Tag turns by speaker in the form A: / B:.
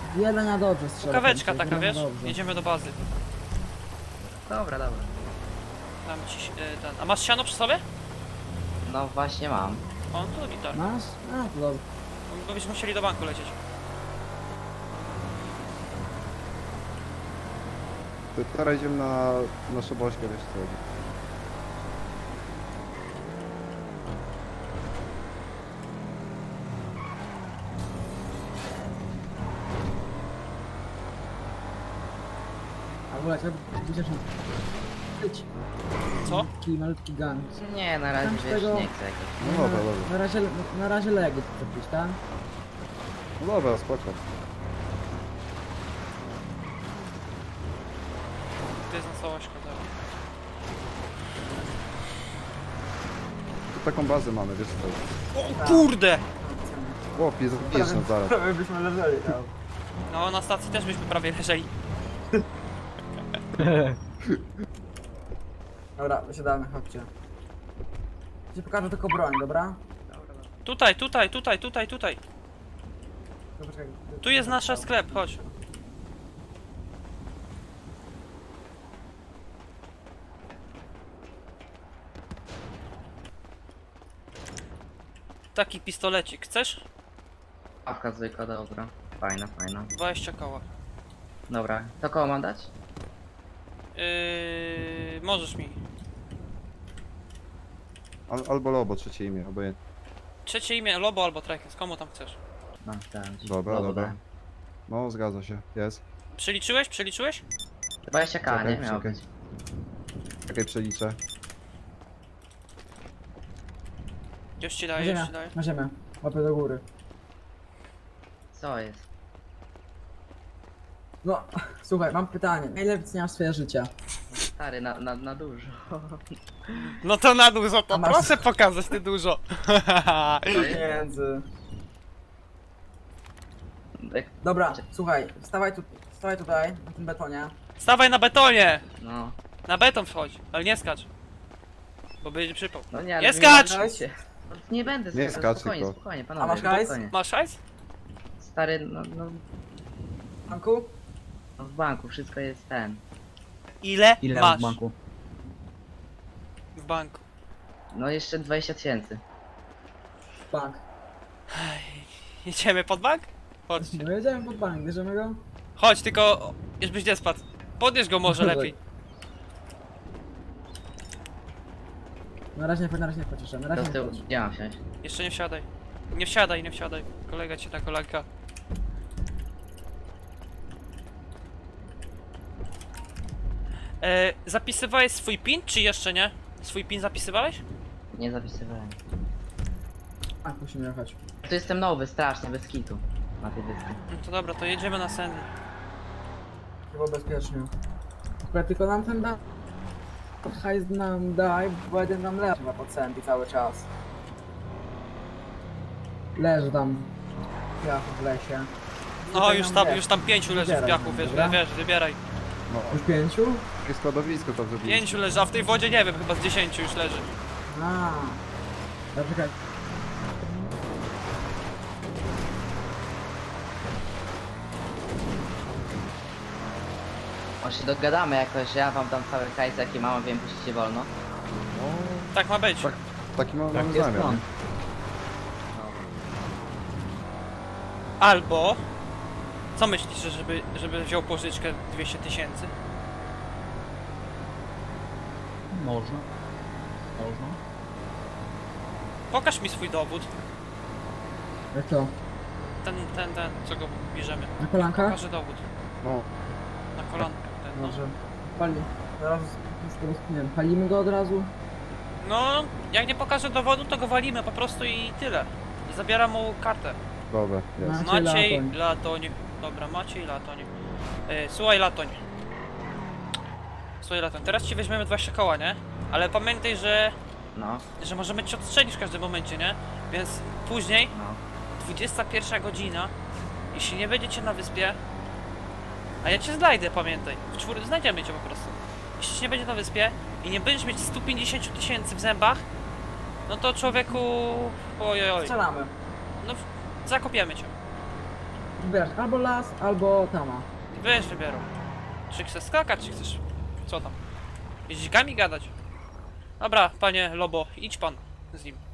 A: Jeden na dobrze strzela.
B: Kaweczka taka, wiesz? Jedziemy do bazy.
C: Dobra, dobra.
B: Dam ci ten. A masz siano przy sobie?
C: No właśnie mam.
B: On to gitar.
A: Masz? A, to dobrze.
B: Bo byśmy musieli do banku lecieć.
D: To teraz idziemy na naszą bośkę, wiesz co chodzi.
A: A w ogóle, trzeba chociaż być.
B: Co?
A: Taki malutki gang.
C: Nie, na razie
A: Tam z
C: wiesz,
A: tego-
C: nie chcę jakoś.
D: No dobra, dobra.
A: Na razie legi zrobić, tak?
D: No dobra, spoko.
B: To jest na całość dobra.
D: Tu taką bazę mamy, wiesz co.
B: O kurde!
D: Chłopie, zabijesz nas zaraz.
A: Prawie byśmy leżeli tam.
B: No na stacji też byśmy prawie leżeli.
A: Dobra, wysiadamy, chodźcie. Ci pokażę tylko broń, dobra?
B: Tutaj, tutaj, tutaj, tutaj, tutaj.
A: To poczekaj.
B: Tu jest nasz sklep, chodź. Taki pistolecik, chcesz?
C: Awka zwykła, dobra. Fajna, fajna.
B: 20 koła.
C: Dobra, to koło mam dać?
B: Możesz mi.
D: Albo Lobo, trzecie imię, obojętnie.
B: Trzecie imię, Lobo albo Trekens, komu tam chcesz?
C: No, dałem ci.
D: Dobra, dobra. No, zgadza się, jest.
B: Przeliczyłeś? Przeliczyłeś?
C: 20k,
D: Czekaj,
C: nie miało
D: czekaj.
C: być.
D: Czekaj, przeliczę.
B: Już ci daję, już ci daję.
A: Na ziemię. Łapę do góry.
C: Co jest?
A: No, słuchaj, mam pytanie. Ile wyceniasz swoje życie?
C: Stary, na dużo.
B: No to na dużo, to
A: A masz-
B: proszę pokazać ty dużo.
A: Pieniędzy. Dobra, słuchaj, stawaj tutaj, na tym betonie.
B: Stawaj na betonie!
C: No,
B: Na beton wchodź, ale nie skacz. Bo będzie przypał.
C: no nie, ale...
B: Nie skacz!
C: Się. Nie będę
D: Nie
C: skakał,
D: skacz
C: spokojnie,
D: tylko.
C: spokojnie,
A: A
C: panowie,
A: masz hajs?
C: spokojnie.
B: Masz hajs?
C: Stary, no
A: Anku?
C: w banku wszystko jest ten.
B: Ile,
E: Ile
B: masz
E: w banku?
B: w banku?
C: No jeszcze 20 000.
A: Bank.
B: Jedziemy pod bank? Chodź.
A: No jedziemy pod bank, bierzemy go?
B: Chodź, tylko żebyś nie spadł. Podnieś go może lepiej.
A: Na razie nie pociszę, na
C: Do
A: razie nie
C: tyłu,
A: pociszę.
C: gdzie mam wsiąść?
B: Jeszcze nie wsiadaj. Nie wsiadaj, nie wsiadaj. Kolega cię na kolanka. Zapisywałeś swój PIN, czy jeszcze nie? Swój PIN zapisywałeś?
C: Nie zapisywałem.
A: Tak, musimy jechać.
C: Tu jestem nowy, strasznie, bez kitu. Na tej wyspie.
B: No to dobra, to jedziemy na Sandy.
A: Chyba bezpiecznie. Akurat tylko nam ten da... Hajs nam daj, bo jeden nam leży na podcenty cały czas. Leży tam. Ja w lesie.
B: No
A: Tutaj
B: już
A: nam
B: tam,
A: wiesz,
B: już tam 5 leży w
A: wybieraj
B: piachu,
A: nam,
B: wiesz,
A: dobra?
B: wiesz, wybieraj.
D: No,
A: Już 5?
D: takie składowisko tam zrobiliśmy.
B: 5 leży, a w tej wodzie nie wiem, chyba z 10 już leży.
A: A. Dobra, czekaj.
C: Może się dogadamy jakoś, ja wam dam cały hajs jaki mam, wiem, puścicie wolno.
D: No,
B: Tak ma być.
D: tak, taki mamy
E: Tak jest
D: zamiar.
E: plan.
D: nie?
B: Albo... Co myślisz, żeby wziął pożyczkę 200 000?
E: Można. Można.
B: Pokaż mi swój dowód.
A: Jak to?
B: Ten, co go bierzemy.
A: Na kolankach?
B: Pokażę dowód.
D: No,
B: Na kolankę. Ten, no.
A: Może. Pali. Zaraz już go rozpiniemy. Palimy go od razu?
B: No, jak nie pokażę dowodu, to go walimy po prostu i tyle. I zabieram mu kartę.
D: dobra, jest.
B: Maciej
A: Latoń.
B: Latoń. Dobra, Maciej Latoń. Słuchaj Latoń. Słuchaj Latoń, teraz ci weźmiemy 20 koła, nie? Ale pamiętaj,
C: No,
B: że możemy cię odstrzelić w każdym momencie, nie? Więc później,
C: no.
B: 21 godzina, jeśli nie będziecie na wyspie, a ja cię znajdę, pamiętaj. Znajdziemy cię po prostu. Jeśli cię nie będzie na wyspie i nie będziesz mieć 150 000 w zębach, no to człowieku... Ojoj.
A: Strzelamy.
B: No, zakopiemy cię.
A: Wiesz, albo las, albo tama.
B: Wiesz, wybierą. Czy chcesz skakać, czy chcesz... Co tam? Jeździkami gadać? Dobra, panie Lobo, idź pan z nim.